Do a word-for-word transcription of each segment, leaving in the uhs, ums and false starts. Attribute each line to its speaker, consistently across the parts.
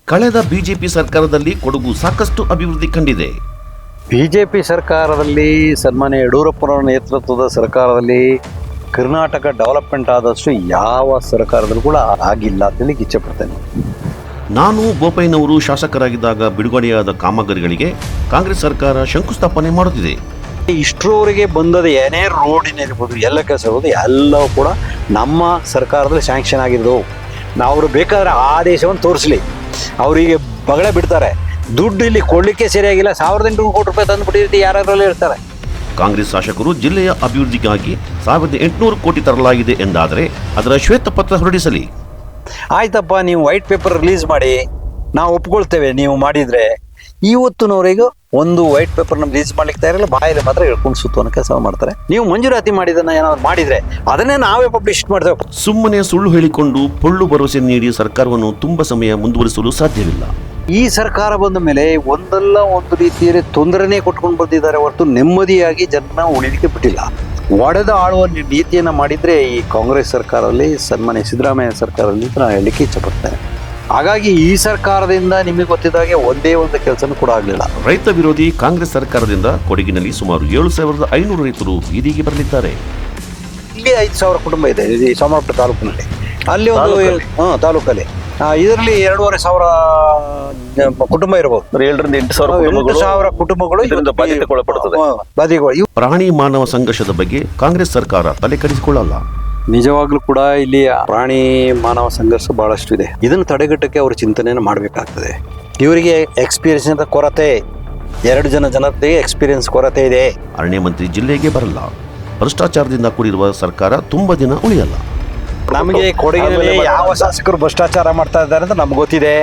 Speaker 1: ಕಳೆದ ಬಿಜೆಪಿ ಸರ್ಕಾರದಲ್ಲಿ ಕೊಡಗು ಸಾಕಷ್ಟು ಅಭಿವೃದ್ಧಿ ಕಂಡಿದೆ.
Speaker 2: ಬಿಜೆಪಿ ಸರ್ಕಾರದಲ್ಲಿ ಸನ್ಮಾನ್ಯ ಯಡಿಯೂರಪ್ಪನವರ ನೇತೃತ್ವದ ಸರ್ಕಾರದಲ್ಲಿ ಕರ್ನಾಟಕ ಡೆವಲಪ್ಮೆಂಟ್ ಆದಷ್ಟು ಯಾವ ಸರ್ಕಾರದಲ್ಲೂ ಕೂಡ ಆಗಿಲ್ಲ ಅಂತ ಹೇಳಿ ಇಚ್ಛೆ ಪಡ್ತೇನೆ.
Speaker 1: ನಾನು ಬೋಪಯ್ಯನವರು ಶಾಸಕರಾಗಿದ್ದಾಗ ಬಿಡುಗಡೆಯಾದ ಕಾಮಗಾರಿಗಳಿಗೆ ಕಾಂಗ್ರೆಸ್ ಸರ್ಕಾರ ಶಂಕುಸ್ಥಾಪನೆ ಮಾಡುತ್ತಿದೆ.
Speaker 2: ಇಷ್ಟರವರೆಗೆ ಬಂದದ ಏನೇ ರೋಡಿನಿರ್ಬೋದು ಎಲ್ಲ ಕೆಲಸ ಇರ್ಬೋದು ಎಲ್ಲವೂ ಕೂಡ ನಮ್ಮ ಸರ್ಕಾರದಲ್ಲಿ ಸ್ಯಾಂಕ್ಷನ್ ಆಗಿರೋದು. ನಾವು ಅವರು ಬೇಕಾದ್ರೆ ಆದೇಶವನ್ನು ತೋರಿಸಲಿ, ಅವರಿಗೆ ಬಗಳೆ ಬಿಡ್ತಾರೆ. ದುಡ್ಡು ಇಲ್ಲಿ ಕೊಡಲಿಕ್ಕೆ ಸರಿಯಾಗಿಲ್ಲ, ಸಾವಿರದ ಎಂಟುನೂರು ಕೋಟಿ ರೂಪಾಯಿ ತಂದುಬಿಟ್ಟಿರ್ತಿ ಯಾರಲ್ಲಿ ಇರ್ತಾರೆ.
Speaker 1: ಕಾಂಗ್ರೆಸ್ ಶಾಸಕರು ಜಿಲ್ಲೆಯ ಅಭಿವೃದ್ಧಿಗಾಗಿ ಸಾವಿರದ ಎಂಟುನೂರು ಕೋಟಿ ತರಲಾಗಿದೆ ಎಂದಾದರೆ ಅದರ ಶ್ವೇತಪತ್ರ ಹೊರಡಿಸಲಿ.
Speaker 2: ಆಯ್ತಪ್ಪ, ನೀವು ವೈಟ್ ಪೇಪರ್ ರಿಲೀಸ್ ಮಾಡಿ, ನಾವು ಒಪ್ಕೊಳ್ತೇವೆ ನೀವು ಮಾಡಿದರೆ. ಇವತ್ತಿನವರೆಗೂ ಒಂದು ವೈಟ್ ಪೇಪರ್ನ ರಿಲೀಸ್ ಮಾಡ್ಲಿಕ್ಕೆ ತಯಾರಿಲ್ಲ, ಬಾಯಲ್ಲಿ ಮಾತ್ರ ಹೇಳ್ಕೊಂಡು ಸುತ್ತುವನ್ನ ಕೆಲಸ ಮಾಡ್ತಾರೆ. ನೀವು ಮಂಜೂರಾತಿ ಮಾಡಿದ್ದನ್ನ ಏನಾದ್ರು ಮಾಡಿದ್ರೆ ಅದನ್ನೇ ನಾವೇ ಪಬ್ಲಿಷ್ ಮಾಡ್ತೇವೆ.
Speaker 1: ಸುಮ್ಮನೆ ಸುಳ್ಳು ಹೇಳಿಕೊಂಡು ಪೊಳ್ಳು ಭರವಸೆ ನೀಡಿ ಸರ್ಕಾರವನ್ನು ತುಂಬ ಸಮಯ ಮುಂದುವರಿಸಲು ಸಾಧ್ಯವಿಲ್ಲ.
Speaker 2: ಈ ಸರ್ಕಾರ ಬಂದ ಮೇಲೆ ಒಂದಲ್ಲ ಒಂದು ರೀತಿಯಲ್ಲಿ ತೊಂದರೆನೇ ಕೊಟ್ಕೊಂಡು ಬಂದಿದ್ದಾರೆ ಹೊರತು ನೆಮ್ಮದಿಯಾಗಿ ಜನ ಉಳಿಲಿಕ್ಕೆ ಬಿಟ್ಟಿಲ್ಲ. ಒಡೆದ ಆಳುವ ನೀತಿಯನ್ನು ಮಾಡಿದರೆ ಈ ಕಾಂಗ್ರೆಸ್ ಸರ್ಕಾರದಲ್ಲಿ, ಸನ್ಮಾನ್ಯ ಸಿದ್ದರಾಮಯ್ಯ ಸರ್ಕಾರದಲ್ಲಿ ನಾನು ಹೇಳಲಿಕ್ಕೆ ಇಚ್ಛಪಡ್ತೇನೆ. ಹಾಗಾಗಿ ಈ ಸರ್ಕಾರದಿಂದ ನಿಮಗೆ ಗೊತ್ತಿದ್ದಾಗೆ ಒಂದೇ ಒಂದು ಕೆಲಸನೂ ಕೂಡ ಆಗಲಿಲ್ಲ.
Speaker 1: ರೈತ ವಿರೋಧಿ ಕಾಂಗ್ರೆಸ್ ಸರ್ಕಾರದಿಂದ ಕೊಡಗಿನಲ್ಲಿ ಸುಮಾರು ಏಳು ಸಾವಿರದ ಐನೂರು ರೈತರು ಬೀದಿಗೆ ಬರಲಿದ್ದಾರೆ.
Speaker 2: ಇಲ್ಲಿ ಐದು ಸಾವಿರ ಕುಟುಂಬ ಇದೆ ಈ ಸೋಮವಾರಪೇಟೆ ತಾಲೂಕಿನಲ್ಲಿ. ಅಲ್ಲಿ ಒಂದು ಹಾಂ ತಾಲೂಕಲ್ಲಿ ಇದರಲ್ಲಿ ಎರಡೂವರೆ ಸಾವಿರ ಕುಟುಂಬ ಇರಬಹುದು.
Speaker 3: ಏಳರಿಂದ ಎಂಟು ಸಾವಿರ
Speaker 2: ಎಂಟು ಸಾವಿರ ಕುಟುಂಬಗಳು ಬಾಧಿತಗೊಳ್ಳುತ್ತವೆ.
Speaker 1: ಪ್ರಾಣಿ ಮಾನವ ಸಂಘರ್ಷದ ಬಗ್ಗೆ ಕಾಂಗ್ರೆಸ್ ಸರ್ಕಾರ ತಲೆ ಕೆಡಿಸಿಕೊಳ್ಳಲ್ಲ.
Speaker 2: ನಿಜವಾಗ್ಲೂ ಕೂಡ ಇಲ್ಲಿ ಪ್ರಾಣಿ ಮಾನವ ಸಂಘರ್ಷ ಬಹಳಷ್ಟು ಇದೆ. ಇದನ್ನು ತಡೆಗಟ್ಟಕ್ಕೆ ಅವರು ಚಿಂತನೆಯನ್ನು ಮಾಡಬೇಕಾಗ್ತದೆ. ಇವರಿಗೆ ಎಕ್ಸ್ಪೀರಿಯನ್ಸ್ ಕೊರತೆ, ಎರಡು ಜನ ಜನತೆಗೆ ಎಕ್ಸ್ಪೀರಿಯನ್ಸ್ ಕೊರತೆ ಇದೆ.
Speaker 1: ಅರಣ್ಯ ಮಂತ್ರಿ ಜಿಲ್ಲೆಗೆ ಬರಲ್ಲ. ಭ್ರಷ್ಟಾಚಾರದಿಂದ ಕೂಡಿರುವ ಸರ್ಕಾರ ತುಂಬಾ ದಿನ ಉಳಿಯಲ್ಲ.
Speaker 2: ನಮಗೆ ಕೊಡಗಿನಲ್ಲಿ ಯಾವ ಶಾಸಕರು ಭ್ರಷ್ಟಾಚಾರ ಮಾಡ್ತಾ ಇದ್ದಾರೆ ಅಂತ ನಮ್ಗೆ ಗೊತ್ತಿದೆ.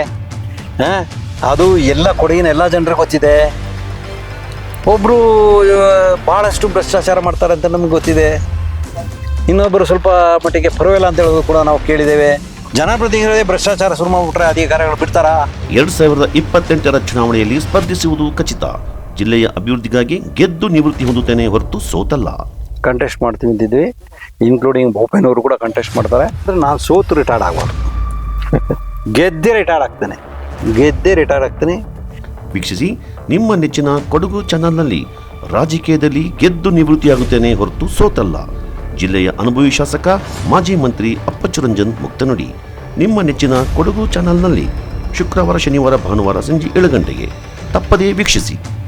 Speaker 2: ಅದು ಎಲ್ಲ ಕೊಡಗಿನ ಎಲ್ಲ ಜನರಿಗೆ ಗೊತ್ತಿದೆ. ಒಬ್ರು ಬಹಳಷ್ಟು ಭ್ರಷ್ಟಾಚಾರ ಮಾಡ್ತಾರೆ ಅಂತ ನಮ್ಗೆ ಗೊತ್ತಿದೆ. ಇನ್ನೊಬ್ಬರು ಸ್ವಲ್ಪ ಮಟ್ಟಿಗೆ ಪರವಾಗಿಲ್ಲ ಅಂತ ಹೇಳೋದು ಕೂಡ ನಾವು ಕೇಳಿದ್ದೇವೆ. ಜನಪ್ರತಿನಿಧಿಗಳೇ ಭ್ರಷ್ಟಾಚಾರ ಶುರು ಮಾಡಿಬಿಟ್ರೆ ಅಧಿಕಾರಿಗಳು ಬಿಡ್ತಾರ?
Speaker 1: ಎರಡ್ ಸಾವಿರದ ಇಪ್ಪತ್ತೆಂಟರ ಚುನಾವಣೆಯಲ್ಲಿ ಸ್ಪರ್ಧಿಸುವುದು ಖಚಿತ. ಜಿಲ್ಲೆಯ ಅಭಿವೃದ್ಧಿಗಾಗಿ ಗೆದ್ದು ನಿವೃತ್ತಿ ಹೊಂದುತ್ತೇನೆ ಹೊರತು ಸೋತಲ್ಲ.
Speaker 2: ಕಂಟೆಸ್ಟ್ ಮಾಡ್ತೀವಿ ಅಂತಿದ್ವಿ, ಇನ್ಕ್ಲೂಡಿಂಗ್ ಬೋಪಯ್ಯನವರು ಕೂಡ ಕಂಟೆಸ್ಟ್ ಮಾಡ್ತಾರೆ. ಅಂದರೆ ನಾನು ಸೋತು ರಿಟೈರ್ಡ್ ಆಗಬಾರ್ದು, ಗೆದ್ದೆ ರಿಟೈರ್ಡ್ ಆಗ್ತೇನೆ, ಗೆದ್ದೆ ರಿಟೈರ್ಡ್ ಆಗ್ತೇನೆ.
Speaker 1: ವೀಕ್ಷಿಸಿ ನಿಮ್ಮ ನೆಚ್ಚಿನ ಕೊಡಗು ಚಾನಲ್ನಲ್ಲಿ. ರಾಜಕೀಯದಲ್ಲಿ ಗೆದ್ದು ನಿವೃತ್ತಿಯಾಗುತ್ತೇನೆ ಹೊರತು ಸೋತಲ್ಲ. ಜಿಲ್ಲೆಯ ಅನುಭವಿ ಶಾಸಕ ಮಾಜಿ ಮಂತ್ರಿ ಅಪ್ಪಚ್ಚು ರಂಜನ್ ಮುಕ್ತನುಡಿ. ನಿಮ್ಮ ನೆಚ್ಚಿನ ಕೊಡಗು ಚಾನಲ್ನಲ್ಲಿ ಶುಕ್ರವಾರ, ಶನಿವಾರ, ಭಾನುವಾರ ಸಂಜೆ ಏಳು ಗಂಟೆಗೆ ತಪ್ಪದೇ ವೀಕ್ಷಿಸಿ.